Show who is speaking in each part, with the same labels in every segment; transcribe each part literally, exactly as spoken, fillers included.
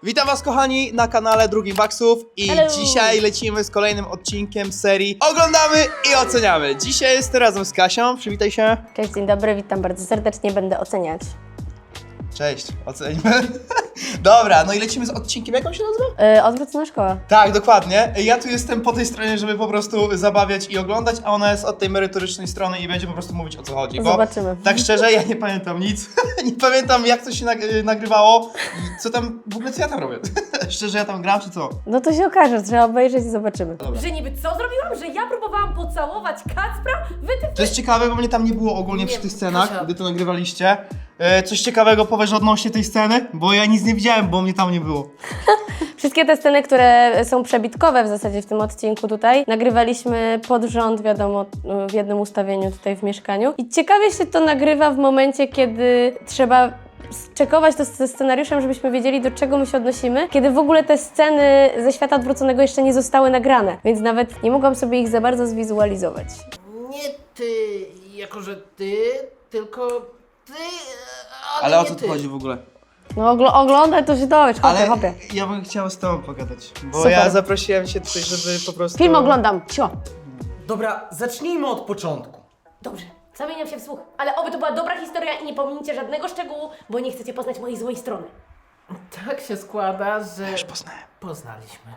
Speaker 1: Witam was kochani na kanale Drugim Waksów i
Speaker 2: Hello.
Speaker 1: dzisiaj lecimy z kolejnym odcinkiem serii Oglądamy i oceniamy. Dzisiaj jestem razem z Kasią, przywitaj się.
Speaker 2: Cześć, dzień dobry, witam bardzo serdecznie, będę oceniać.
Speaker 1: Cześć, ocenimy. Dobra, no i lecimy z odcinkiem, jak on się nazywa?
Speaker 2: Yy, odwrócona szkoła.
Speaker 1: Tak, dokładnie. Ja tu jestem po tej stronie, żeby po prostu zabawiać i oglądać, a ona jest od tej merytorycznej strony i będzie po prostu mówić, o co chodzi. Bo
Speaker 2: Zobaczymy.
Speaker 1: tak szczerze, ja nie pamiętam nic. Nie pamiętam, jak to się nag- nagrywało i co tam, w ogóle co ja tam robię. Szczerze, ja tam gram, czy co?
Speaker 2: No to się okaże, trzeba obejrzeć i zobaczymy.
Speaker 1: Dobra.
Speaker 3: Że niby co zrobiłam? Że ja próbowałam pocałować Kacpra? Wy ty...
Speaker 1: To jest ciekawe, bo mnie tam nie było ogólnie
Speaker 3: Nie,
Speaker 1: przy tych scenach,
Speaker 3: Kasia.
Speaker 1: gdy to nagrywaliście. E, coś ciekawego powiesz odnośnie tej sceny? Bo ja nic nie widziałem, bo mnie tam nie było.
Speaker 2: Wszystkie te sceny, które są przebitkowe w zasadzie w tym odcinku tutaj, nagrywaliśmy pod rząd, wiadomo, w jednym ustawieniu tutaj w mieszkaniu. I ciekawie się to nagrywa w momencie, kiedy trzeba czekować to ze scenariuszem, żebyśmy wiedzieli, do czego my się odnosimy, kiedy w ogóle te sceny ze świata odwróconego jeszcze nie zostały nagrane, więc nawet nie mogłam sobie ich za bardzo zwizualizować.
Speaker 4: Nie ty, jako że ty, tylko ty, ale,
Speaker 1: Ale o
Speaker 4: nie
Speaker 1: co
Speaker 4: ty.
Speaker 1: tu chodzi w ogóle?
Speaker 2: No ogl- oglądaj, to się dowiesz, hopie,
Speaker 1: Ale
Speaker 2: hopie.
Speaker 1: ja bym chciał z tobą pogadać, bo
Speaker 2: Super.
Speaker 1: ja zaprosiłem cię tutaj, żeby po prostu...
Speaker 2: Film oglądam, cio.
Speaker 4: Dobra, zacznijmy od początku.
Speaker 3: Dobrze, zamieniam się w słuch, ale oby to była dobra historia i nie pominięcie żadnego szczegółu, bo nie chcecie poznać mojej złej strony.
Speaker 4: Tak się składa, że
Speaker 1: Już poznałem.
Speaker 4: poznaliśmy.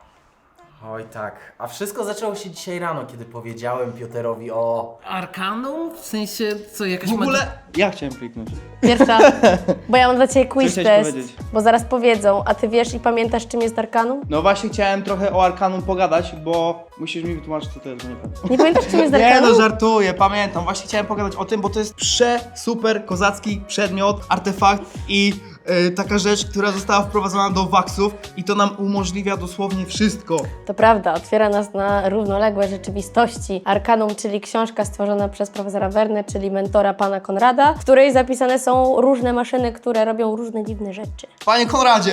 Speaker 4: Oj tak, a wszystko zaczęło się dzisiaj rano, kiedy powiedziałem Pioterowi o... Arkanum? W sensie, co, jakaś
Speaker 1: W ogóle ja chciałem kliknąć.
Speaker 2: Pierwsza, bo ja mam dla Ciebie quiz
Speaker 1: chciałeś
Speaker 2: test,
Speaker 1: powiedzieć?
Speaker 2: bo zaraz powiedzą, a Ty wiesz i pamiętasz, czym jest Arkanum?
Speaker 1: No właśnie chciałem trochę o Arkanum pogadać, bo musisz mi wytłumaczyć, co to jest, bo nie pamiętam.
Speaker 2: Nie pamiętasz, czym jest
Speaker 1: Nie
Speaker 2: Arkanum?
Speaker 1: no, żartuję, pamiętam. Właśnie chciałem pogadać o tym, bo to jest prze, super, kozacki przedmiot, artefakt i y, taka rzecz, która została wprowadzona do waksów i to nam umożliwia dosłownie wszystko.
Speaker 2: To prawda, otwiera nas na równoległe rzeczywistości. Arkanum, czyli książka stworzona przez profesora Wernę, czyli mentora pana Konrada, w której zapisane są różne maszyny, które robią różne dziwne rzeczy.
Speaker 1: Panie Konradzie,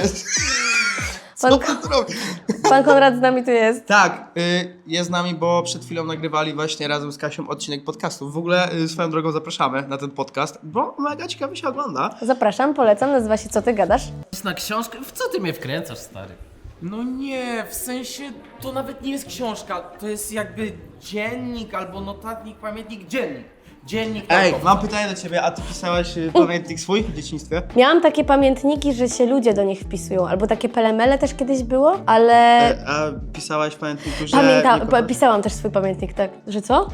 Speaker 1: co
Speaker 2: Pan,
Speaker 1: pan tu robi?
Speaker 2: pan Konrad z nami tu jest.
Speaker 1: Tak, y, jest z nami, bo przed chwilą nagrywali właśnie razem z Kasią odcinek podcastu. W ogóle y, swoją drogą zapraszamy na ten podcast, bo mega ciekawie się ogląda.
Speaker 2: Zapraszam, polecam, nazywa się Co Ty Gadasz?
Speaker 4: Na książkę? W co ty mnie wkręcasz, stary?
Speaker 5: No nie, w sensie to nawet nie jest książka, to jest jakby dziennik albo notatnik, pamiętnik, dziennik. Dziennik
Speaker 1: Ej,
Speaker 5: naukowca.
Speaker 1: mam pytanie do ciebie, a ty pisałeś y, pamiętnik swój w dzieciństwie?
Speaker 2: Miałam takie pamiętniki, że się ludzie do nich wpisują, albo takie pelemele też kiedyś było, ale...
Speaker 1: E, a pisałaś w pamiętniku, że...
Speaker 2: Pamiętam,
Speaker 1: nie
Speaker 2: pa-
Speaker 1: kochasz-
Speaker 2: pisałam też swój pamiętnik, tak. Że co?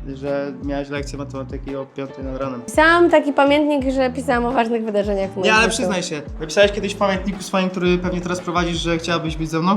Speaker 1: Że miałaś lekcję matematyki o piątej nad ranem.
Speaker 2: Pisałam taki pamiętnik, że pisałam o ważnych wydarzeniach w moim
Speaker 1: Nie, ale
Speaker 2: życiu.
Speaker 1: przyznaj się, napisałeś kiedyś w pamiętniku swoim, który pewnie teraz prowadzisz, że chciałabyś być ze mną?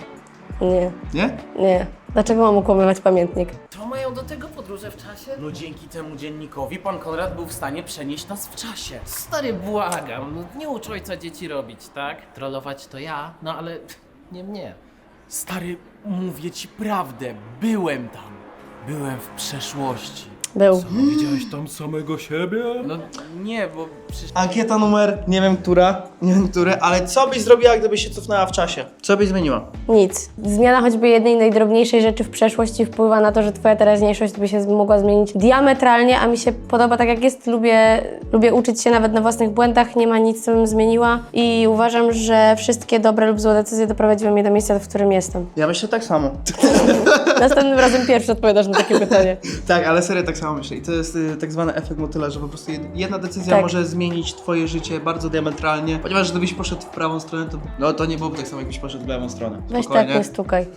Speaker 2: Nie,
Speaker 1: Nie?
Speaker 2: nie. Dlaczego mam ukłamywać pamiętnik?
Speaker 4: To mają do tego podróże w czasie?
Speaker 5: No dzięki temu dziennikowi pan Konrad był w stanie przenieść nas w czasie.
Speaker 4: Stary, błagam, no nie ucz ojca dzieci robić, tak? Trollować to ja, no ale nie mnie.
Speaker 5: Stary, mówię ci prawdę, byłem tam. Byłem w przeszłości.
Speaker 2: Był.
Speaker 5: Widziałeś tam samego siebie? No nie, bo przecież...
Speaker 1: Ankieta numer, nie wiem która, nie wiem które, ale co byś zrobiła, gdybyś się cofnęła w czasie? Co byś zmieniła?
Speaker 2: Nic. Zmiana choćby jednej najdrobniejszej rzeczy w przeszłości wpływa na to, że twoja teraźniejszość by się mogła zmienić diametralnie, a mi się podoba tak jak jest. Lubię, lubię uczyć się nawet na własnych błędach, nie ma nic, co bym zmieniła i uważam, że wszystkie dobre lub złe decyzje doprowadziły mnie do miejsca, w którym jestem.
Speaker 1: Ja myślę tak samo.
Speaker 2: Następnym razem pierwszy odpowiadasz na takie pytanie.
Speaker 1: Tak, ale serio tak samo myślę. I to jest y, tak zwany efekt motyla, że po prostu jed- jedna decyzja
Speaker 2: Tak.
Speaker 1: może zmienić twoje życie bardzo diametralnie. Ponieważ gdybyś poszedł w prawą stronę, to no to nie byłoby tak samo, jakbyś poszedł w lewą stronę.
Speaker 2: Weź
Speaker 1: Spokojnie.
Speaker 2: tak, nie stukaj.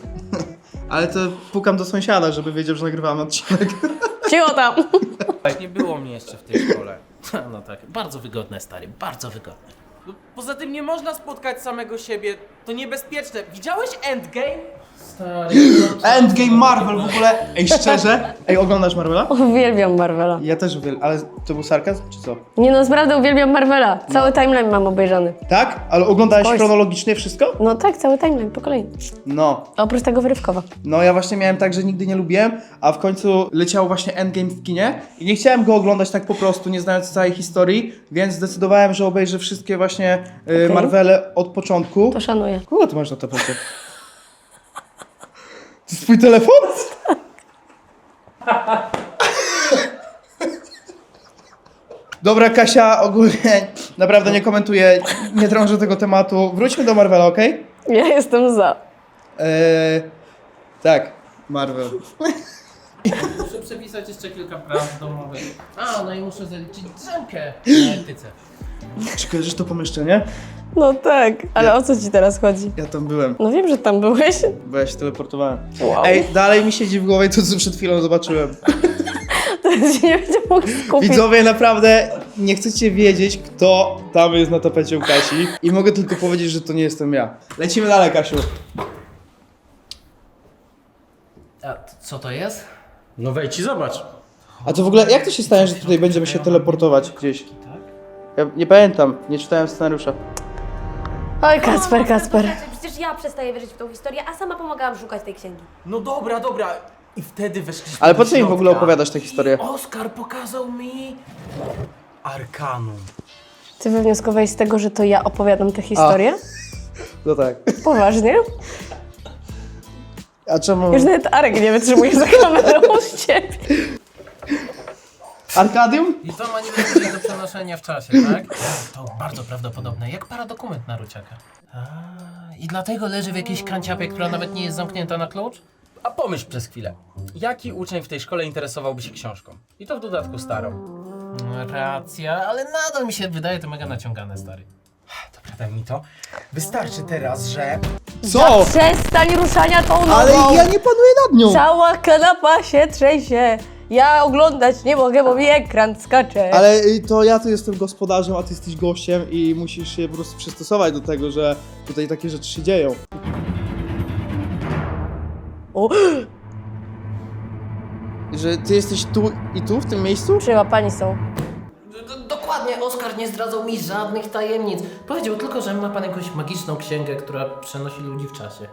Speaker 1: Ale to pukam do sąsiada, żeby wiedział, że nagrywamy odcinek.
Speaker 2: Cicho tam!
Speaker 5: Nie było mnie jeszcze w tej szkole.
Speaker 4: No tak, bardzo wygodne, stary, bardzo wygodne.
Speaker 5: No, poza tym nie można spotkać samego siebie, to niebezpieczne. Widziałeś Endgame?
Speaker 4: Stary,
Speaker 1: Endgame Marvel w ogóle. Ej, szczerze? Ej, oglądasz Marvela?
Speaker 2: Uwielbiam Marvela.
Speaker 1: Ja też uwielbiam, ale to był sarkazm, czy co?
Speaker 2: Nie no, naprawdę uwielbiam Marvela. Cały timeline mam obejrzany.
Speaker 1: Tak? Ale oglądałeś
Speaker 2: Oj.
Speaker 1: chronologicznie wszystko?
Speaker 2: No tak, cały timeline, po kolei.
Speaker 1: No.
Speaker 2: Oprócz tego wyrywkowa.
Speaker 1: No ja właśnie miałem tak, że nigdy nie lubiłem, a w końcu leciał właśnie Endgame w kinie i nie chciałem go oglądać tak po prostu, nie znając całej historii, więc zdecydowałem, że obejrzę wszystkie właśnie y,
Speaker 2: Okej.
Speaker 1: Marvele od początku.
Speaker 2: To szanuję.
Speaker 1: Kogo ty masz na tapecie? To jest twój telefon? Dobra, Kasia, ogólnie naprawdę nie komentuję, nie drążę tego tematu. Wróćmy do Marvela, okej?
Speaker 2: Ja jestem za.
Speaker 1: Eee, tak, Marvel.
Speaker 6: Muszę przepisać jeszcze kilka prac domowych. A, no i muszę zaliczyć drzemkę na etyce.
Speaker 1: Czy kojarzysz to pomieszczenie?
Speaker 2: No tak, ale o co ci teraz chodzi?
Speaker 1: Ja tam byłem,
Speaker 2: No wiem, że tam byłeś.
Speaker 1: bo ja się teleportowałem.
Speaker 2: Wow.
Speaker 1: Ej, dalej mi siedzi w głowie to, co przed chwilą zobaczyłem.
Speaker 2: Teraz się nie będzie mógł skupić.
Speaker 1: Widzowie, naprawdę nie chcecie wiedzieć, kto tam jest na tapecie u Kasi. I mogę tylko powiedzieć, że to nie jestem ja. Lecimy dalej, Kasiu.
Speaker 6: A t- co to jest?
Speaker 5: No wejdź i zobacz.
Speaker 1: A to w ogóle, jak to się stanie, że tutaj będziemy się teleportować gdzieś? Ja nie pamiętam, nie czytałem scenariusza.
Speaker 2: Oj, Kacper,
Speaker 3: No,
Speaker 2: Kacper.
Speaker 3: Przecież ja przestaję wierzyć w tą historię, a sama pomagałam szukać tej księgi.
Speaker 5: No dobra, dobra. I wtedy weszliśmy
Speaker 1: Ale
Speaker 5: do
Speaker 1: po co im w ogóle
Speaker 5: środka.
Speaker 1: opowiadasz tę historię?
Speaker 5: Oskar pokazał mi Arkanum.
Speaker 2: Ty wywnioskowałeś z tego, że to ja opowiadam tę historię?
Speaker 1: No tak.
Speaker 2: Poważnie?
Speaker 1: A czemu?
Speaker 2: Już nawet Arek nie wytrzymuje za kamerą z ciebie.
Speaker 1: Arkadium?
Speaker 6: I to ma niby być do przenoszenia w czasie, tak? To bardzo prawdopodobne, jak paradokument na Ruciaka. A, i dlatego leży w jakiejś kanciapie, która nawet nie jest zamknięta na klucz?
Speaker 5: A pomyśl przez chwilę. Jaki uczeń w tej szkole interesowałby się książką? I to w dodatku starą.
Speaker 6: No, racja, ale nadal mi się wydaje to mega naciągane, stary.
Speaker 5: Dobra, daj mi to. Wystarczy teraz, że...
Speaker 1: Co?
Speaker 2: Przestań ruszania tą nogą.
Speaker 1: Ale ja nie panuję nad nią!
Speaker 2: Cała kanapa się trzęsie. Ja oglądać nie mogę, bo mi ekran skacze.
Speaker 1: Ale y, to ja tu jestem gospodarzem, a ty jesteś gościem i musisz się po prostu przystosować do tego, że tutaj takie rzeczy się dzieją.
Speaker 2: O,
Speaker 1: Że ty jesteś tu i tu, w tym miejscu?
Speaker 2: przyłapani są.
Speaker 6: D- Dokładnie, Oskar nie zdradzał mi żadnych tajemnic. Powiedział tylko, że ma pan jakąś magiczną księgę, która przenosi ludzi w czasie.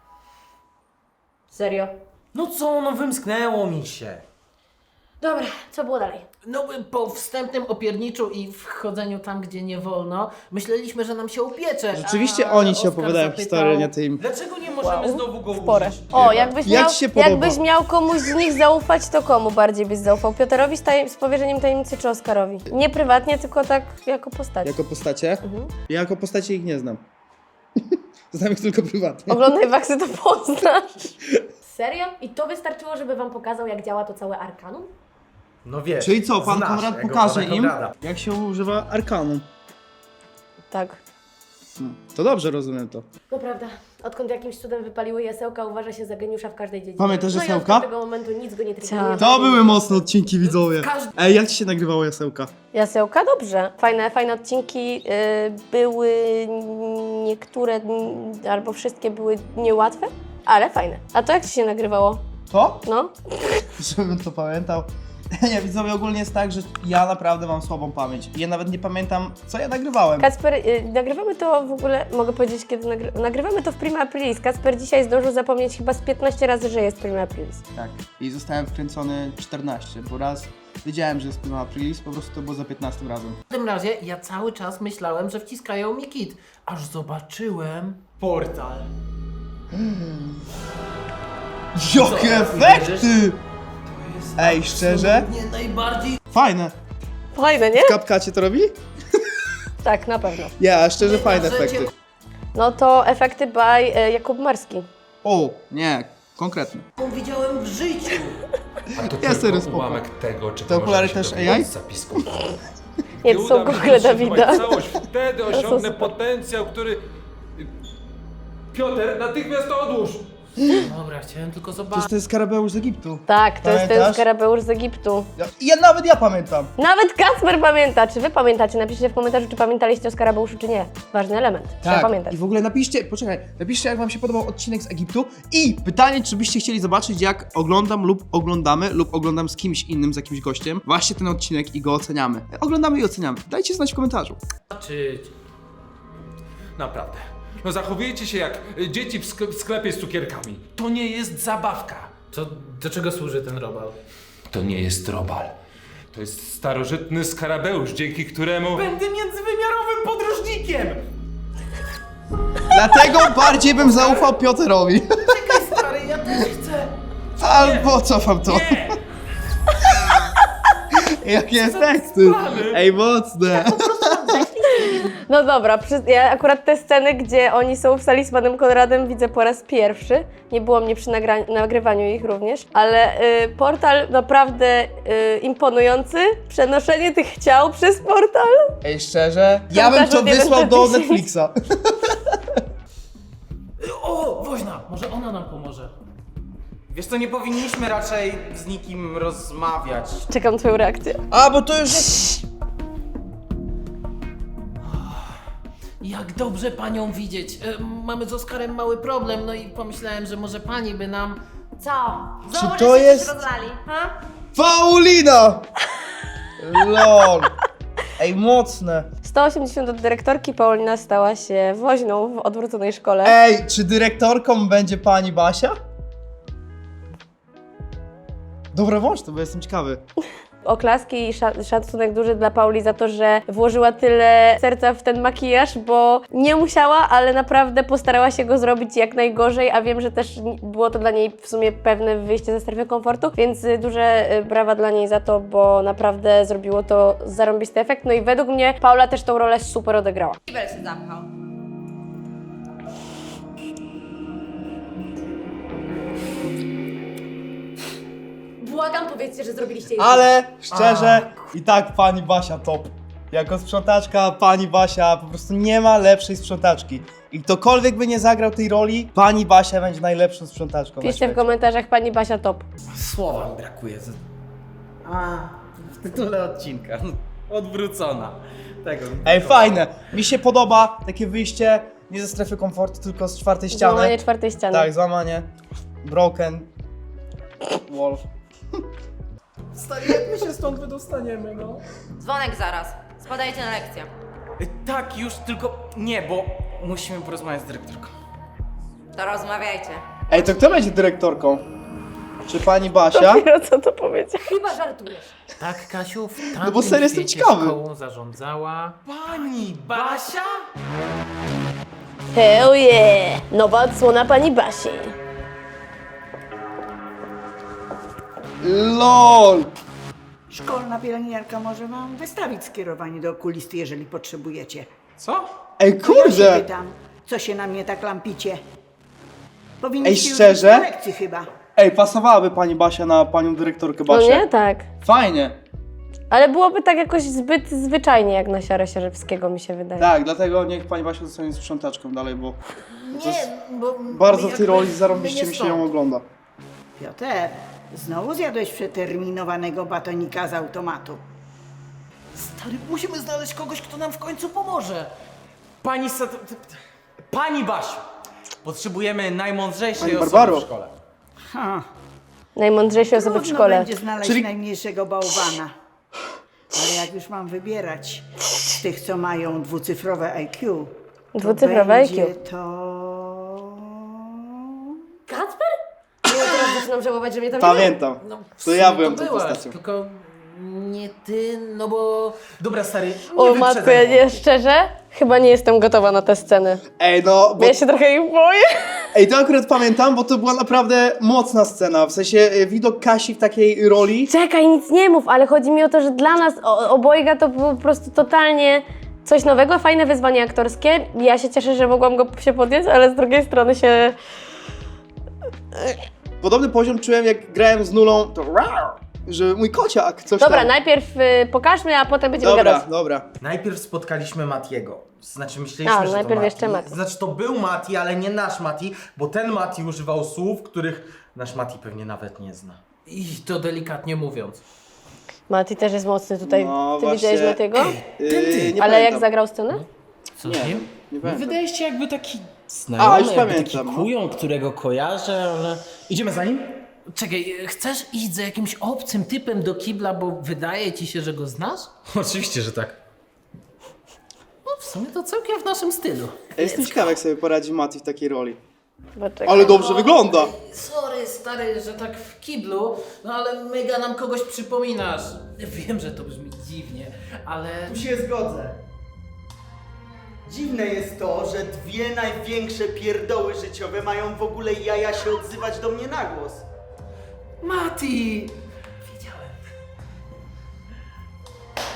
Speaker 3: Serio?
Speaker 5: No co, no wymsknęło mi się.
Speaker 3: Dobra, co było dalej?
Speaker 6: No, po wstępnym opierniczu i wchodzeniu tam, gdzie nie wolno, myśleliśmy, że nam się upiecze.
Speaker 1: Rzeczywiście
Speaker 6: a
Speaker 1: oni ci
Speaker 6: Oskar
Speaker 1: opowiadają
Speaker 6: zapytał-
Speaker 1: historię, nie ty im.
Speaker 5: Dlaczego nie możemy
Speaker 2: Wow.
Speaker 5: znowu go
Speaker 2: Spore.
Speaker 5: użyć?
Speaker 2: O, jakbyś
Speaker 1: Jak
Speaker 2: miał,
Speaker 1: ci się podoba?
Speaker 2: jakbyś miał komuś z nich zaufać, to komu bardziej byś zaufał? Pioterowi z, tajem, z powierzeniem tajemnicy czy Oskarowi? Nie prywatnie, tylko tak jako postać.
Speaker 1: Jako postacie? Ja jako postacie ich nie znam. Znam ich tylko prywatnie.
Speaker 2: Oglądaj Waksy, to poznasz.
Speaker 3: Serio? I to wystarczyło, żeby wam pokazał, jak działa to całe Arkanum?
Speaker 5: No wiesz.
Speaker 1: Czyli co, pan
Speaker 5: znasz
Speaker 1: Konrad
Speaker 5: tego
Speaker 1: pokaże
Speaker 5: pana
Speaker 1: im,
Speaker 5: Konrada.
Speaker 1: jak się używa arkanu.
Speaker 2: Tak.
Speaker 1: No, to dobrze rozumiem to.
Speaker 3: No prawda, odkąd jakimś cudem wypaliły jasełka, uważa się za geniusza w każdej dziedzinie.
Speaker 1: Pamiętasz
Speaker 3: no i
Speaker 1: jasełka?
Speaker 3: od tego momentu nic go nie triggeruje.
Speaker 2: Tak.
Speaker 1: To były mocne odcinki, widzowie.
Speaker 5: Każdy-
Speaker 1: Ej, jak ci się nagrywało jasełka?
Speaker 2: Jasełka? Dobrze. Fajne, fajne odcinki y, były niektóre mm, albo wszystkie były niełatwe, ale fajne. A to jak ci się nagrywało?
Speaker 1: To?
Speaker 2: No?
Speaker 1: Żebym to pamiętał. Nie, widzowie, ogólnie jest tak, że ja naprawdę mam słabą pamięć. Ja nawet nie pamiętam, co ja nagrywałem.
Speaker 2: Kacper, y, nagrywamy to w ogóle, mogę powiedzieć kiedy nagry nagrywamy to w Prima Aprilis. Kacper dzisiaj zdążył zapomnieć chyba z piętnaście razy, że jest Prima Aprilis.
Speaker 1: Tak. I zostałem wkręcony czternaście, bo raz wiedziałem, że jest Prima Aprilis, po prostu to było za piętnastym razem.
Speaker 6: W tym razie ja cały czas myślałem, że wciskają mi kit, aż zobaczyłem...
Speaker 5: Portal.
Speaker 1: Jakie efekty! Ej, szczerze?
Speaker 6: Nie najbardziej...
Speaker 1: Fajne.
Speaker 2: Fajne, nie?
Speaker 1: Kapkacie to robi?
Speaker 2: Tak, na pewno.
Speaker 1: Ja, szczerze, fajne
Speaker 6: Życie-
Speaker 1: efekty.
Speaker 2: No to efekty by y, Jakub Marski.
Speaker 1: O, nie, konkretne.
Speaker 6: widziałem w życiu.
Speaker 7: A to
Speaker 1: Ja serio
Speaker 7: tylko
Speaker 1: spoko.
Speaker 7: ułamek tego, czego
Speaker 1: Te okulary
Speaker 7: można się
Speaker 1: też
Speaker 7: dowiedzieć
Speaker 1: A I?
Speaker 7: z zapisku.
Speaker 2: Nie, to są Google Dawida.
Speaker 7: Całość, wtedy
Speaker 2: są
Speaker 7: osiągnę
Speaker 2: super.
Speaker 7: potencjał, który... Piotr, natychmiast to odłóż!
Speaker 6: Dobra, chciałem tylko
Speaker 1: To
Speaker 6: zobaczyć.
Speaker 1: jest ten skarabeusz z Egiptu.
Speaker 2: Tak, to jest ten
Speaker 1: Pamiętasz?
Speaker 2: skarabeusz z Egiptu.
Speaker 1: Ja, ja nawet ja pamiętam.
Speaker 2: Nawet Kacper pamięta. Czy wy pamiętacie? Napiszcie w komentarzu, czy pamiętaliście o skarabeuszu, czy nie. Ważny element. Trzeba pamiętać.
Speaker 1: I w ogóle napiszcie, poczekaj, napiszcie jak wam się podobał odcinek z Egiptu i pytanie, czy byście chcieli zobaczyć jak oglądam lub oglądamy lub oglądam z kimś innym, z jakimś gościem właśnie ten odcinek i go oceniamy. Oglądamy i oceniamy. Dajcie znać w komentarzu.
Speaker 6: zobaczyć.
Speaker 7: Naprawdę. No zachowujecie się jak y, dzieci w sk- w sklepie z cukierkami.
Speaker 5: To nie jest zabawka.
Speaker 6: To do czego służy ten robal?
Speaker 7: To nie jest robal. To jest starożytny skarabeusz, dzięki któremu...
Speaker 5: Będę międzywymiarowym podróżnikiem.
Speaker 1: Dlatego bardziej bym zaufał Pioterowi.
Speaker 6: Czekaj, stary, ja też chcę.
Speaker 1: Albo cofam to.
Speaker 5: Nie.
Speaker 1: Jakie efekty! Ej, mocne!
Speaker 2: No dobra, przy, ja akurat te sceny, gdzie oni są w sali z panem Konradem widzę po raz pierwszy. Nie było mnie przy nagra- nagrywaniu ich również, ale y, portal naprawdę y, imponujący. Przenoszenie tych ciał przez portal.
Speaker 1: Ej, szczerze? Ja bym to
Speaker 2: od jeden
Speaker 1: wysłał
Speaker 2: do
Speaker 1: do
Speaker 2: dziesięć.
Speaker 1: Netflixa.
Speaker 6: O, woźna, może ona nam pomoże.
Speaker 5: Wiesz co, nie powinniśmy raczej z nikim rozmawiać.
Speaker 2: Czekam twoją reakcję.
Speaker 1: A, bo to już jest...
Speaker 6: Jak dobrze panią widzieć. E, mamy z Oskarem mały problem, no i pomyślałem, że może pani by nam...
Speaker 3: Co? Znowu,
Speaker 1: to
Speaker 3: żeście
Speaker 1: jest-
Speaker 3: się rozlali, ha?
Speaker 1: Paulina! Lol. Ej, mocne.
Speaker 2: sto osiemdziesiąt od dyrektorki, Paulina stała się woźną w odwróconej szkole.
Speaker 1: Ej, czy dyrektorką będzie pani Basia? Dobra, włącz to, bo jestem ciekawy.
Speaker 2: Oklaski i sza- szacunek duży dla Pauli za to, że włożyła tyle serca w ten makijaż, bo nie musiała, ale naprawdę postarała się go zrobić jak najgorzej, a wiem, że też ni- było to dla niej w sumie pewne wyjście ze strefy komfortu, więc y, duże y, brawa dla niej za to, bo naprawdę zrobiło to zarąbisty efekt. No i według mnie Paula też tą rolę super odegrała.
Speaker 3: Kibel się zamknął. Błagam, powiedzcie, że zrobiliście jej.
Speaker 1: Ale szczerze, i tak pani Basia top. Jako sprzątaczka, pani Basia po prostu nie ma lepszej sprzątaczki. I ktokolwiek by nie zagrał tej roli, pani Basia będzie najlepszą sprzątaczką na
Speaker 2: Piszcie w
Speaker 1: świecie.
Speaker 2: komentarzach, pani Basia top.
Speaker 4: Słowa mi brakuje. z- A, w tytule odcinka. Odwrócona. Tego. mi
Speaker 1: Ej,
Speaker 4: brakowało.
Speaker 1: fajne. Mi się podoba takie wyjście nie ze strefy komfortu, tylko z czwartej ściany.
Speaker 2: Złamanie czwartej ściany.
Speaker 1: Tak, złamanie. Broken. Wall.
Speaker 4: Stary, jak my się stąd wydostaniemy, no?
Speaker 3: Dzwonek zaraz. Spadajcie na lekcję.
Speaker 5: Y, Tak, już tylko nie, bo musimy porozmawiać z dyrektorką.
Speaker 3: To rozmawiajcie.
Speaker 1: Ej, to kto będzie dyrektorką? Czy pani Basia?
Speaker 2: Dopiero co to powiedział.
Speaker 3: Chyba żartujesz.
Speaker 6: Tak, Kasiu, w tamtym
Speaker 1: No bo serio jestem
Speaker 6: świecie
Speaker 1: ciekawy.
Speaker 6: szkołą zarządzała...
Speaker 5: Pani Basia?
Speaker 2: Hell yeah! Nowa odsłona pani Basi.
Speaker 1: LOL!
Speaker 8: Szkolna pielęgniarka może wam wystawić skierowanie do okulisty, jeżeli potrzebujecie.
Speaker 5: Co?
Speaker 1: Ej,
Speaker 8: Ja się
Speaker 1: kurde!
Speaker 8: pytam, co się na mnie tak lampicie? Powinniście
Speaker 1: Ej,
Speaker 8: już
Speaker 1: szczerze?
Speaker 8: być na lekcji chyba.
Speaker 1: Ej, pasowałaby pani Basia na panią dyrektorkę
Speaker 2: No
Speaker 1: Basię.
Speaker 2: nie? Tak.
Speaker 1: Fajnie.
Speaker 2: Ale byłoby tak jakoś zbyt zwyczajnie, jak na Siarę Sierzewskiego, mi się wydaje.
Speaker 1: Tak, dlatego niech pani Basia zostanie sprzątaczką dalej, bo
Speaker 6: Nie, bo...
Speaker 1: bardzo w tej
Speaker 6: jakby
Speaker 1: roli zarąbiście
Speaker 6: my
Speaker 1: mi
Speaker 6: nie
Speaker 1: się ją
Speaker 6: stąd.
Speaker 1: ogląda.
Speaker 8: Piotr, znowu zjadłeś przeterminowanego batonika z automatu.
Speaker 6: Stary, musimy znaleźć kogoś, kto nam w końcu pomoże.
Speaker 5: Pani Sat... Pani Basiu! Potrzebujemy najmądrzejszej
Speaker 1: Pani
Speaker 5: osoby
Speaker 1: Barbaro.
Speaker 5: w szkole.
Speaker 8: Ha,
Speaker 2: Najmądrzejsze osoby w
Speaker 8: trudno
Speaker 2: szkole.
Speaker 8: będzie znaleźć
Speaker 1: Czyli-
Speaker 8: najmniejszego bałwana. Ale jak już mam wybierać z tych, co mają dwucyfrowe I Q, to
Speaker 2: Dwucyfrowe I Q.
Speaker 8: będzie to...
Speaker 3: Kacper? Nie, teraz zaczynam żałować, że mnie tam nie
Speaker 1: Pamiętam.
Speaker 6: No, w
Speaker 1: To
Speaker 6: sumie
Speaker 1: ja byłem tą
Speaker 6: byłaś,
Speaker 1: postacią.
Speaker 6: tylko nie ty, no bo...
Speaker 5: Dobra, stary, nie
Speaker 2: O matko,
Speaker 5: wyprzedzaj
Speaker 2: ja nie,
Speaker 5: wątku.
Speaker 2: szczerze, chyba nie jestem gotowa na te sceny.
Speaker 1: Ej, no, bo...
Speaker 2: Ja się trochę ich boję.
Speaker 1: Ej, to akurat pamiętam, bo to była naprawdę mocna scena. W sensie e, widok Kasi w takiej roli.
Speaker 2: Czekaj, nic nie mów, ale chodzi mi o to, że dla nas o, obojga to było po prostu totalnie coś nowego, fajne wyzwanie aktorskie. Ja się cieszę, że mogłam go się podjąć, ale z drugiej strony się...
Speaker 1: Podobny poziom czułem, jak grałem z Nulą, to że mój kociak, coś
Speaker 2: Dobra,
Speaker 1: tam.
Speaker 2: najpierw y, pokażmy, a potem będziemy
Speaker 1: Dobra,
Speaker 2: gadać.
Speaker 1: dobra.
Speaker 5: Najpierw spotkaliśmy Matiego. Znaczy myśleliśmy,
Speaker 2: A,
Speaker 5: że
Speaker 2: najpierw
Speaker 5: to Mati.
Speaker 2: jeszcze Mati.
Speaker 5: Znaczy to był Mati, ale nie nasz Mati, bo ten Mati używał słów, których nasz Mati pewnie nawet nie zna.
Speaker 6: I to delikatnie mówiąc.
Speaker 2: Mati też jest mocny tutaj.
Speaker 1: No,
Speaker 2: Ty
Speaker 1: właśnie.
Speaker 2: widziałeś Matiego?
Speaker 1: Yy, nie
Speaker 2: Ale
Speaker 1: pamiętam.
Speaker 2: jak zagrał scenę?
Speaker 6: Co z nim?
Speaker 1: Nie pamiętam.
Speaker 4: Wydaje się jakby taki
Speaker 1: A,
Speaker 4: znajomy,
Speaker 1: już
Speaker 4: jakby
Speaker 1: pamiętam,
Speaker 4: taki
Speaker 1: no.
Speaker 4: kujon, którego kojarzę, ale... Idziemy za nim?
Speaker 6: Czekaj, chcesz iść za jakimś obcym typem do kibla, bo wydaje ci się, że go znasz?
Speaker 4: Oczywiście, że tak.
Speaker 6: No w sumie to całkiem w naszym stylu.
Speaker 1: Ja jestem ciekawy, jak sobie poradzi Mati w takiej roli.
Speaker 2: Poczekaj.
Speaker 1: Ale dobrze wygląda.
Speaker 6: Sorry, stary, że tak w kiblu, no ale mega nam kogoś przypominasz. Wiem, że to brzmi dziwnie, ale...
Speaker 9: Tu się zgodzę. Dziwne jest to, że dwie największe pierdoły życiowe mają w ogóle jaja się odzywać do mnie na głos.
Speaker 6: Mati! Wiedziałem.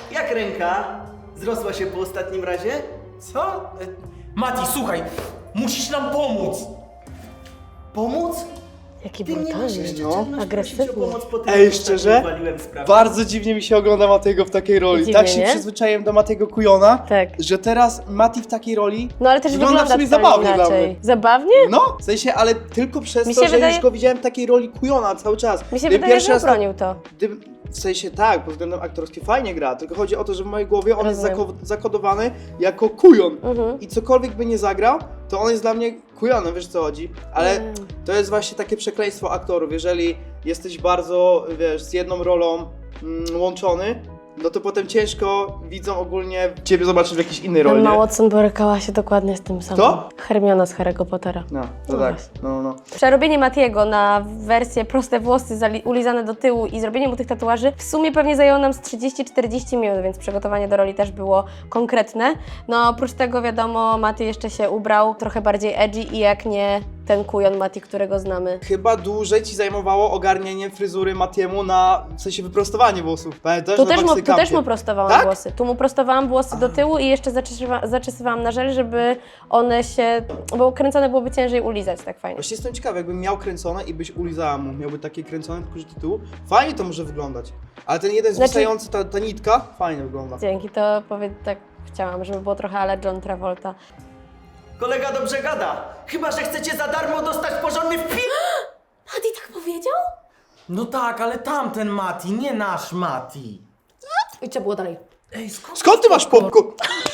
Speaker 9: Jak ręka? Zrosła się po ostatnim razie?
Speaker 5: Co? E, Mati, słuchaj, musisz nam pomóc.
Speaker 9: Pomóc?
Speaker 2: Jaki
Speaker 9: Ty nie masz
Speaker 2: brutalny.
Speaker 9: jeszcze
Speaker 1: No.
Speaker 9: czelności prosić o
Speaker 2: Agresywny.
Speaker 9: pomoc po tym,
Speaker 1: Ej,
Speaker 9: jak
Speaker 1: szczerze?
Speaker 9: ostatnio waliłem sprawę.
Speaker 1: Bardzo dziwnie mi się ogląda Matiego w takiej roli.
Speaker 2: Dziwnie,
Speaker 1: tak się
Speaker 2: nie?
Speaker 1: przyzwyczaiłem do Matiego Kujona,
Speaker 2: Tak.
Speaker 1: że teraz Mati w takiej roli
Speaker 2: No ale też
Speaker 1: wygląda
Speaker 2: wygląda
Speaker 1: w sumie
Speaker 2: totalnie
Speaker 1: zabawnie dla
Speaker 2: inaczej.
Speaker 1: mnie.
Speaker 2: Zabawnie?
Speaker 1: No, w sensie, ale tylko przez
Speaker 2: Mi
Speaker 1: to,
Speaker 2: się
Speaker 1: że
Speaker 2: wydaje-
Speaker 1: już go widziałem w takiej roli Kujona cały czas.
Speaker 2: Mi się
Speaker 1: Gdybym
Speaker 2: wydaje,
Speaker 1: pierwszy
Speaker 2: że
Speaker 1: raz
Speaker 2: obronił to.
Speaker 1: Gdyby, w sensie tak, pod względem aktorskim fajnie gra, tylko chodzi o to, że w mojej głowie on jest
Speaker 2: Rozumiem.
Speaker 1: zako- zakodowany jako kujon.
Speaker 2: Mhm.
Speaker 1: I cokolwiek by nie zagrał, to on jest dla mnie kujonem, wiesz co chodzi? Ale
Speaker 2: Mm.
Speaker 1: to jest właśnie takie przekleństwo aktorów, jeżeli jesteś bardzo, wiesz, z jedną rolą mm, łączony, no to potem ciężko widzą ogólnie ciebie zobaczyć w jakiejś innej roli,
Speaker 2: Emma
Speaker 1: nie?
Speaker 2: Watson borykała się dokładnie z tym samym.
Speaker 1: Kto?
Speaker 2: Hermiona z Harry'ego Pottera.
Speaker 1: No, to
Speaker 2: No
Speaker 1: tak,
Speaker 2: właśnie.
Speaker 1: no, no.
Speaker 2: Przerobienie Matiego na wersję proste włosy zali- ulizane do tyłu i zrobienie mu tych tatuaży w sumie pewnie zajęło nam z trzydzieści czterdzieści minut, więc przygotowanie do roli też było konkretne. No oprócz tego wiadomo, Mati jeszcze się ubrał trochę bardziej edgy i jak nie ten kujon Mati, którego znamy.
Speaker 1: Chyba dłużej ci zajmowało ogarnienie fryzury Matiemu na, w sensie wyprostowanie włosów, pamiętasz?
Speaker 2: Tu
Speaker 1: Na
Speaker 2: też, mu, tu
Speaker 1: Baxy
Speaker 2: też mu
Speaker 1: Campie.
Speaker 2: prostowałam
Speaker 1: Tak?
Speaker 2: włosy. Tu mu prostowałam włosy do tyłu i jeszcze zaczesywa, zaczesywałam na żel, żeby one się, bo kręcone byłoby ciężej ulizać tak fajnie.
Speaker 1: Właśnie jestem ciekawy, jakbym miał kręcone i byś ulizała mu, miałby takie kręcone, tylko że do tyłu, fajnie to może wyglądać. Ale ten jeden
Speaker 2: Znaczy-
Speaker 1: zwisający, ta, ta nitka, fajnie wygląda.
Speaker 2: Dzięki, to powiedz, tak chciałam, żeby było trochę ale John Travolta.
Speaker 9: Kolega dobrze gada. Chyba, że chcecie za darmo dostać porządny wpis.
Speaker 3: Mati tak powiedział?
Speaker 5: No tak, ale tamten Mati, nie nasz Mati.
Speaker 3: I co było dalej?
Speaker 6: Ej, skąd?
Speaker 1: Skąd ty masz popcorn?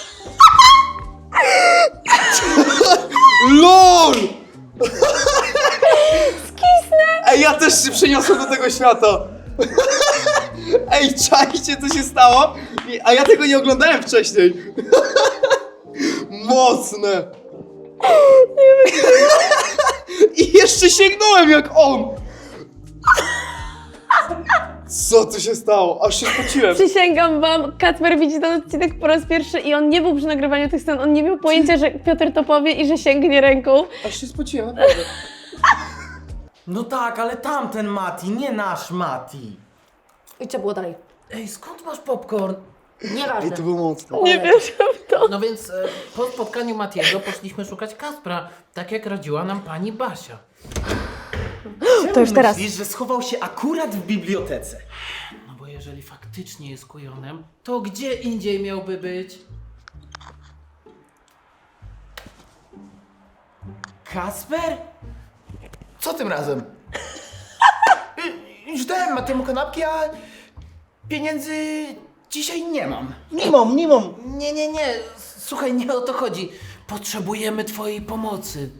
Speaker 1: LOL! Skisnę! Ej, ja też się przeniosłem do tego świata. Ej, czajcie, co się stało? I- A ja tego nie oglądałem wcześniej. Mocne. I jeszcze sięgnąłem jak on. Co tu się stało? Aż się spociłem.
Speaker 2: Przysięgam wam, Kacper widzi ten odcinek po raz pierwszy i on nie był przy nagrywaniu tych scen, on nie miał pojęcia, że Piotr to powie i że sięgnie ręką.
Speaker 1: Aż się spociłem, naprawdę.
Speaker 5: No tak, ale tamten Mati, nie nasz Mati.
Speaker 3: I co było dalej?
Speaker 6: Ej, skąd masz popcorn?
Speaker 3: Nieważne.
Speaker 1: Ej, to było mocne.
Speaker 2: Nie wierzę w to.
Speaker 6: No więc e, po spotkaniu Matiego poszliśmy szukać Kaspra, tak jak radziła nam pani Basia.
Speaker 2: To już teraz.
Speaker 5: Myślisz, że schował się akurat w bibliotece?
Speaker 6: No bo jeżeli faktycznie jest kujonem, to gdzie indziej miałby być?
Speaker 5: Kasper? Co tym razem? Y, Już dałem Matemu kanapki, a pieniędzy dzisiaj nie mam.
Speaker 1: Nie mam, nie mam.
Speaker 6: Nie, nie, nie, słuchaj, nie o to chodzi. Potrzebujemy twojej pomocy.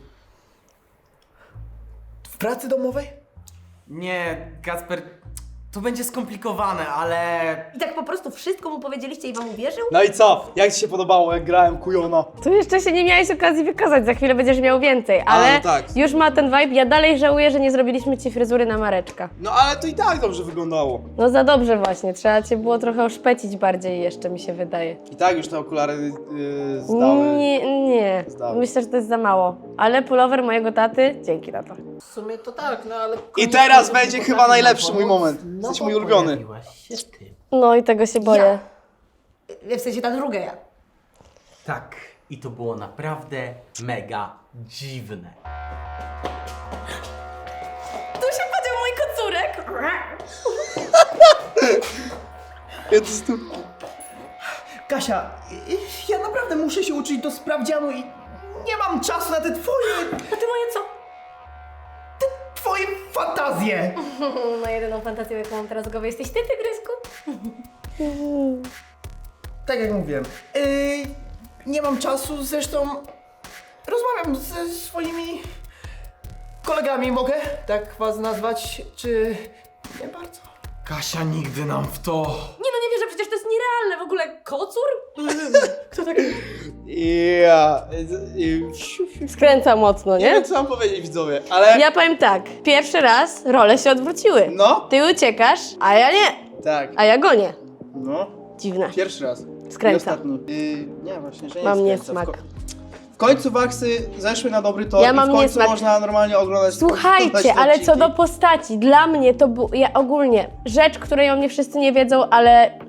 Speaker 5: W pracy domowej? Nie, Kasper, to będzie skomplikowane, ale...
Speaker 3: I tak po prostu wszystko mu powiedzieliście i wam uwierzył?
Speaker 1: No i co? Jak ci się podobało, jak grałem kujona?
Speaker 2: Tu jeszcze się nie miałeś okazji wykazać, za chwilę będziesz miał więcej, ale
Speaker 1: no tak.
Speaker 2: już ma ten vibe. Ja dalej żałuję, że nie zrobiliśmy ci fryzury na Mareczka.
Speaker 1: No ale to i tak dobrze wyglądało.
Speaker 2: No za dobrze właśnie, trzeba cię było trochę oszpecić bardziej jeszcze, mi się wydaje.
Speaker 1: I tak już te okulary yy, zdały.
Speaker 2: Nie, nie.
Speaker 1: Zdały.
Speaker 2: Myślę, że to jest za mało. Ale pullover mojego taty, dzięki na to.
Speaker 6: W sumie to tak, no ale...
Speaker 1: I teraz będzie chyba najlepszy mój moment. Jesteś mój ulubiony.
Speaker 6: Pojawiłaś się ty.
Speaker 2: No i tego się boję.
Speaker 3: W sensie ta druga ja.
Speaker 5: Tak, i to było naprawdę mega dziwne.
Speaker 3: Tu się podział mój kocurek.
Speaker 1: Ja to stu...
Speaker 9: Kasia, y, ja naprawdę muszę się uczyć do sprawdzianu i nie mam czasu na te twoje,
Speaker 3: A ty moje co?
Speaker 9: twoje fantazje.
Speaker 3: No jedyną fantazją, jaką mam teraz w głowie, jesteś ty, tygrysku.
Speaker 9: Tak jak mówiłem, yy, nie mam czasu, zresztą rozmawiam ze swoimi kolegami, mogę tak was nazwać, czy nie bardzo?
Speaker 5: Kasia nigdy nam w to...
Speaker 3: Nie no, nie wierzę, przecież to jest nierealne. W ogóle kocur? Kto tak...
Speaker 1: Ja...
Speaker 2: Skręca mocno,
Speaker 1: Nie
Speaker 2: nie?
Speaker 1: wiem co mam powiedzieć widzowie, ale...
Speaker 2: Ja powiem tak, pierwszy raz role się odwróciły.
Speaker 1: No.
Speaker 2: Ty uciekasz, a ja nie.
Speaker 1: Tak.
Speaker 2: A ja gonię.
Speaker 1: No.
Speaker 2: Dziwne.
Speaker 1: Pierwszy raz.
Speaker 2: Skręca.
Speaker 1: I ostatni. Yy, nie, właśnie, że nie
Speaker 2: Mam
Speaker 1: skręca.
Speaker 2: niesmak.
Speaker 1: W, ko- w końcu waksy zeszły na dobry tor
Speaker 2: Ja
Speaker 1: i
Speaker 2: mam
Speaker 1: w końcu
Speaker 2: niesmak.
Speaker 1: można normalnie oglądać
Speaker 2: Słuchajcie,
Speaker 1: oglądać
Speaker 2: ale co
Speaker 1: odcinki.
Speaker 2: do postaci, dla mnie to był, ja ogólnie, rzecz, której o mnie wszyscy nie wiedzą, ale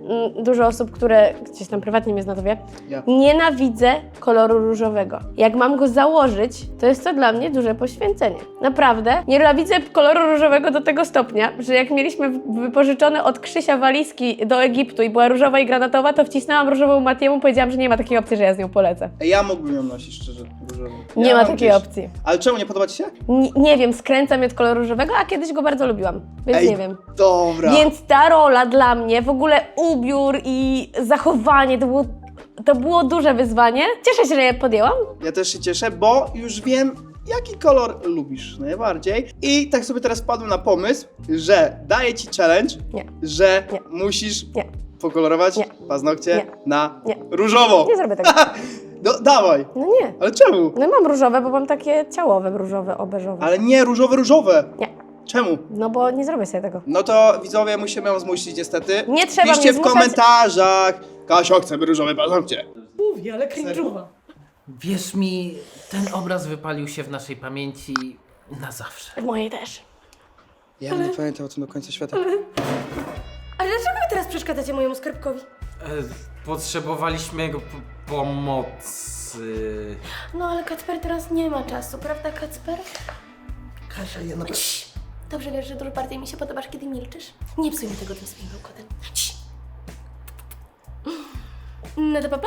Speaker 2: mm, dużo osób, które gdzieś tam prywatnie mnie zna, to wie,
Speaker 1: Ja.
Speaker 2: nienawidzę koloru różowego. Jak mam go założyć, to jest to dla mnie duże poświęcenie. Naprawdę, nienawidzę koloru różowego do tego stopnia, że jak mieliśmy w- wypożyczone od Krzysia walizki do Egiptu i była różowa i granatowa, to wcisnęłam różową Matiemu, powiedziałam, że nie ma takiej opcji, że ja z nią polecę.
Speaker 1: Ja mógłbym ją nosić, szczerze. różowy.
Speaker 2: Nie
Speaker 1: Ja
Speaker 2: ma
Speaker 1: mam
Speaker 2: takiej
Speaker 1: gdzieś.
Speaker 2: opcji.
Speaker 1: Ale czemu, nie podoba ci się?
Speaker 2: N- nie wiem, skręca mnie od koloru różowego, a kiedyś go bardzo lubiłam, więc
Speaker 1: Ej,
Speaker 2: nie wiem.
Speaker 1: Dobra.
Speaker 2: Więc ta rola dla mnie, w ogóle ubiór i zachowanie, to było, to było duże wyzwanie. Cieszę się, że je podjęłam.
Speaker 1: Ja też się cieszę, bo już wiem, jaki kolor lubisz najbardziej. I tak sobie teraz wpadłem na pomysł, że daję ci challenge,
Speaker 2: Nie.
Speaker 1: że
Speaker 2: Nie.
Speaker 1: musisz
Speaker 2: Nie.
Speaker 1: pokolorować
Speaker 2: Nie.
Speaker 1: paznokcie
Speaker 2: Nie.
Speaker 1: na
Speaker 2: Nie.
Speaker 1: różowo.
Speaker 2: Nie zrobię tego.
Speaker 1: No dawaj.
Speaker 2: No nie.
Speaker 1: Ale czemu?
Speaker 2: No mam różowe, bo mam takie ciałowe różowe, obeżowe.
Speaker 1: Ale nie różowe, różowe.
Speaker 2: Nie.
Speaker 1: Czemu?
Speaker 2: No bo nie zrobię sobie tego.
Speaker 1: No to widzowie, musimy ją zmusić niestety.
Speaker 2: Nie trzeba
Speaker 1: Piszcie
Speaker 2: mnie
Speaker 1: w
Speaker 2: zmuszać.
Speaker 1: komentarzach. Kasio, chcemy różowe paznokcie.
Speaker 3: Mówię, ale cringe'uwa.
Speaker 6: Wierz mi, ten obraz wypalił się w naszej pamięci na zawsze.
Speaker 2: W mojej też.
Speaker 1: Ja nie pamiętam o tym do końca świata.
Speaker 3: Ale dlaczego wy teraz przeszkadzacie mojemu skarbkowi?
Speaker 4: E, potrzebowaliśmy jego p- pomocy.
Speaker 3: No ale Kacper teraz nie ma czasu, prawda Kacper?
Speaker 9: Kasia, ja naprawdę...
Speaker 3: Cii. Dobrze wiesz, że dużo bardziej mi się podobasz, kiedy milczysz. Nie psuj mi tego tym swoim bełkotem. Cii. No to pa, pa.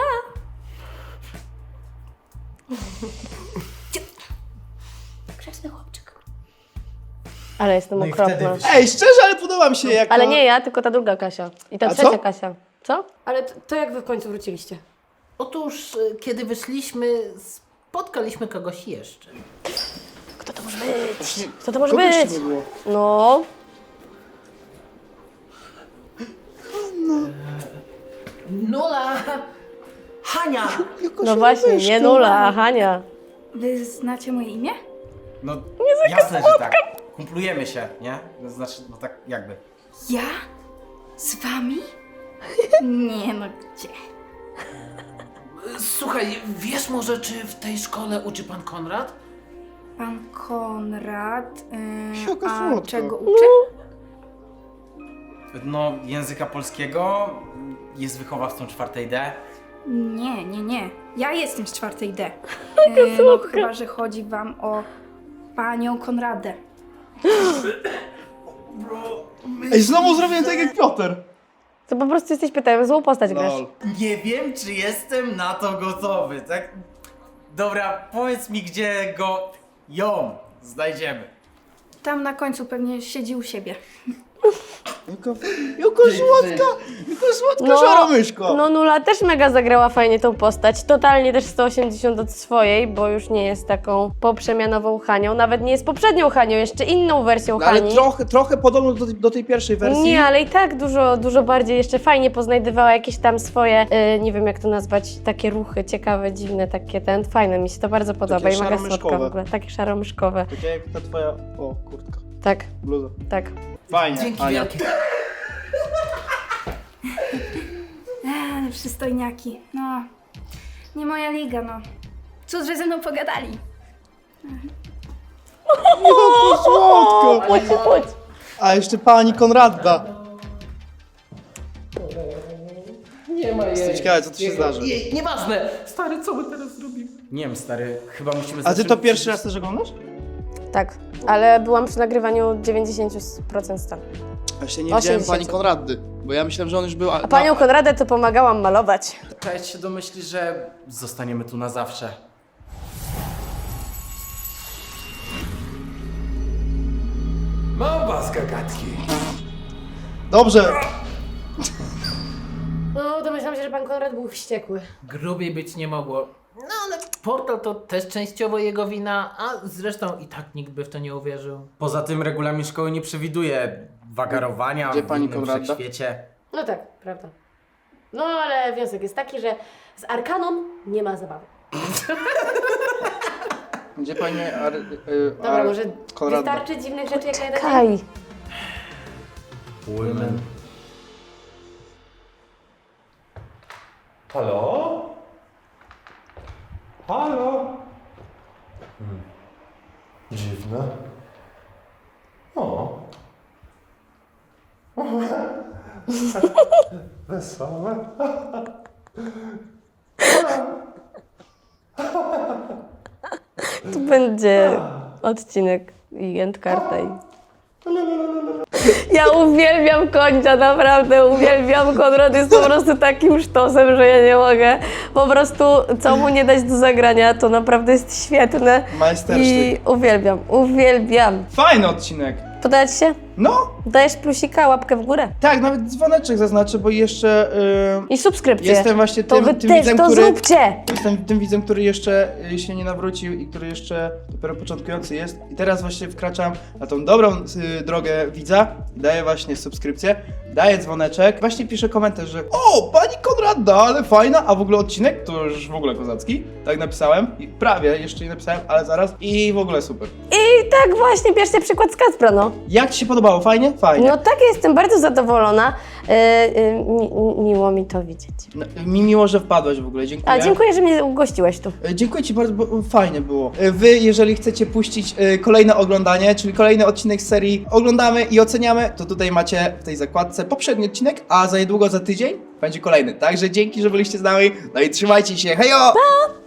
Speaker 3: Grzeczny chłopczyk.
Speaker 2: Ale jestem
Speaker 4: No i
Speaker 2: okropna.
Speaker 4: wtedy wyszło.
Speaker 1: Ej, szczerze, ale podoba mi się jako...
Speaker 2: Ale nie ja, tylko ta druga Kasia. I ta
Speaker 1: A
Speaker 2: trzecia
Speaker 1: co?
Speaker 2: Kasia. Co?
Speaker 3: Ale to, to jak wy w końcu wróciliście?
Speaker 6: Otóż, y, kiedy wyszliśmy, spotkaliśmy kogoś jeszcze.
Speaker 2: Kto to może być? Kto to może
Speaker 1: Kogoś
Speaker 2: być?
Speaker 1: nie było.
Speaker 2: No.
Speaker 6: Nula!
Speaker 4: Hania!
Speaker 2: No właśnie, nie Nula, a Hania.
Speaker 10: Wy znacie moje imię?
Speaker 4: No jasne, że tak. Kumplujemy się, nie? To znaczy, no tak jakby.
Speaker 10: Ja? Z wami? Nie no, gdzie?
Speaker 6: Słuchaj, wiesz może, czy w tej szkole uczy pan Konrad?
Speaker 10: Pan Konrad. Yy,
Speaker 1: Jaka
Speaker 10: a
Speaker 1: słodka.
Speaker 10: czego uczy?
Speaker 4: No, języka polskiego, jest wychowawcą czwartej D.
Speaker 10: Nie, nie, nie. Ja jestem z czwartej D. Yy, no chyba, że chodzi wam o panią Konradę.
Speaker 1: Ej, znowu zrobiłem tak jak Piotr.
Speaker 2: To po prostu jesteś pytałem, złą postać grasz.
Speaker 1: Lol.
Speaker 4: Nie wiem, czy jestem na to gotowy, tak? Dobra, powiedz mi, gdzie go, ją znajdziemy.
Speaker 10: Tam na końcu pewnie siedzi u siebie.
Speaker 1: Jaka, jaka słodka, jaka słodka szara myszko.
Speaker 2: no Nula też mega zagrała fajnie tą postać. Totalnie też sto osiemdziesiąt od swojej, bo już nie jest taką poprzemianową Hanią. Nawet nie jest poprzednią Hanią, jeszcze inną wersją
Speaker 1: No, ale
Speaker 2: Hani.
Speaker 1: trochę, trochę podobno do, tej- do tej pierwszej wersji.
Speaker 2: Nie, ale i tak dużo, dużo bardziej jeszcze fajnie poznajdywała jakieś tam swoje, y, nie wiem jak to nazwać, takie ruchy ciekawe, dziwne, takie ten, fajne, mi się to bardzo podoba i mega słodka w
Speaker 1: szaromyszkowe.
Speaker 2: ogóle, takie szaromyszkowe.
Speaker 1: Takie jak ta twoja, o kurtka,
Speaker 2: Tak,
Speaker 1: bluza.
Speaker 2: tak.
Speaker 1: Fajnie,
Speaker 6: Dzięki
Speaker 1: Ania.
Speaker 6: wielkie.
Speaker 10: Eee, przystojniaki. No, nie moja liga, no. Cóż, że ze mną pogadali.
Speaker 1: Jaka słodka.
Speaker 2: Chodź, chodź.
Speaker 1: A jeszcze pani Konrada.
Speaker 6: Nie ma
Speaker 1: Jestem ciekawy, co tu się zdarzy.
Speaker 6: Nie, nieważne! Stary, co my teraz zrobimy?
Speaker 4: Nie wiem, stary, chyba musimy
Speaker 1: A ty to
Speaker 4: zacząć-
Speaker 1: pierwszy raz też oglądasz?
Speaker 2: Tak, ale byłam przy nagrywaniu dziewięćdziesiąt procent stanu.
Speaker 1: Właśnie nie widziałem
Speaker 2: osiemdziesiąt.
Speaker 1: pani Konrady, bo ja myślałem, że on już był...
Speaker 2: A panią Konradę to pomagałam malować.
Speaker 4: Cześć się domyśli, że zostaniemy tu na zawsze.
Speaker 7: Mam was, gagatki.
Speaker 1: Dobrze.
Speaker 3: No, domyślam się, że pan Konrad był wściekły.
Speaker 6: Grubiej być nie mogło. No ale portal to też częściowo jego wina, a zresztą i tak nikt by w to nie uwierzył.
Speaker 4: Poza tym regulamin szkoły nie przewiduje wagarowania
Speaker 1: Gdzie
Speaker 4: w
Speaker 1: pani
Speaker 4: innym
Speaker 1: Konrada?
Speaker 4: wszechświecie.
Speaker 3: No tak, prawda. No ale wniosek jest taki, że z Arkaną nie ma zabawy.
Speaker 1: Gdzie pani... Ar, y,
Speaker 3: Dobra,
Speaker 1: Ar,
Speaker 3: może
Speaker 1: Konrada.
Speaker 3: wystarczy dziwnych rzeczy jak na jeden dzień?
Speaker 2: Kaj.
Speaker 4: Women.
Speaker 7: Halo? Halo? Hmm. Dziwne. O. wesołe.
Speaker 2: Tu będzie odcinek i endkarta i... Ja uwielbiam końca, naprawdę uwielbiam. Konrad jest po prostu takim sztosem, że ja nie mogę. Po prostu, co mu nie dać do zagrania, to naprawdę jest świetne.
Speaker 1: Majstersztyk.
Speaker 2: I uwielbiam, uwielbiam.
Speaker 1: Fajny odcinek.
Speaker 2: Podoba ci się?
Speaker 1: No,
Speaker 2: Dajesz plusika, łapkę w górę.
Speaker 1: tak, nawet dzwoneczek zaznaczę, bo jeszcze yy,
Speaker 2: I subskrypcję.
Speaker 1: jestem właśnie
Speaker 2: To
Speaker 1: tym,
Speaker 2: wy
Speaker 1: tym
Speaker 2: też
Speaker 1: widzem,
Speaker 2: to
Speaker 1: który...
Speaker 2: zróbcie!
Speaker 1: Jestem tym widzem, który jeszcze y, się nie nawrócił i który jeszcze dopiero początkujący jest. I teraz właśnie wkraczam na tą dobrą y, drogę widza. Daję właśnie subskrypcję, daję dzwoneczek. Właśnie piszę komentarz, że o, pani Konrada, ale fajna, a w ogóle odcinek to już w ogóle kozacki. Tak napisałem i prawie jeszcze nie napisałem, ale zaraz. I w ogóle super.
Speaker 2: I tak właśnie, bierzcie przykład z Kacpra, no.
Speaker 1: Jak ci się podobało? Fajnie? Fajnie.
Speaker 2: No tak, jestem bardzo zadowolona. Yy, yy, mi, miło mi to widzieć.
Speaker 1: No, mi miło, że wpadłeś w ogóle, dziękuję.
Speaker 2: A dziękuję, że mnie ugościłeś tu.
Speaker 1: E, Dziękuję ci bardzo, bo fajnie było. E, Wy, jeżeli chcecie puścić e, kolejne oglądanie, czyli kolejny odcinek z serii Oglądamy i Oceniamy, to tutaj macie w tej zakładce poprzedni odcinek, a za niedługo, za tydzień będzie kolejny. Także dzięki, że byliście z nami, no i trzymajcie się, hejo!
Speaker 2: Pa!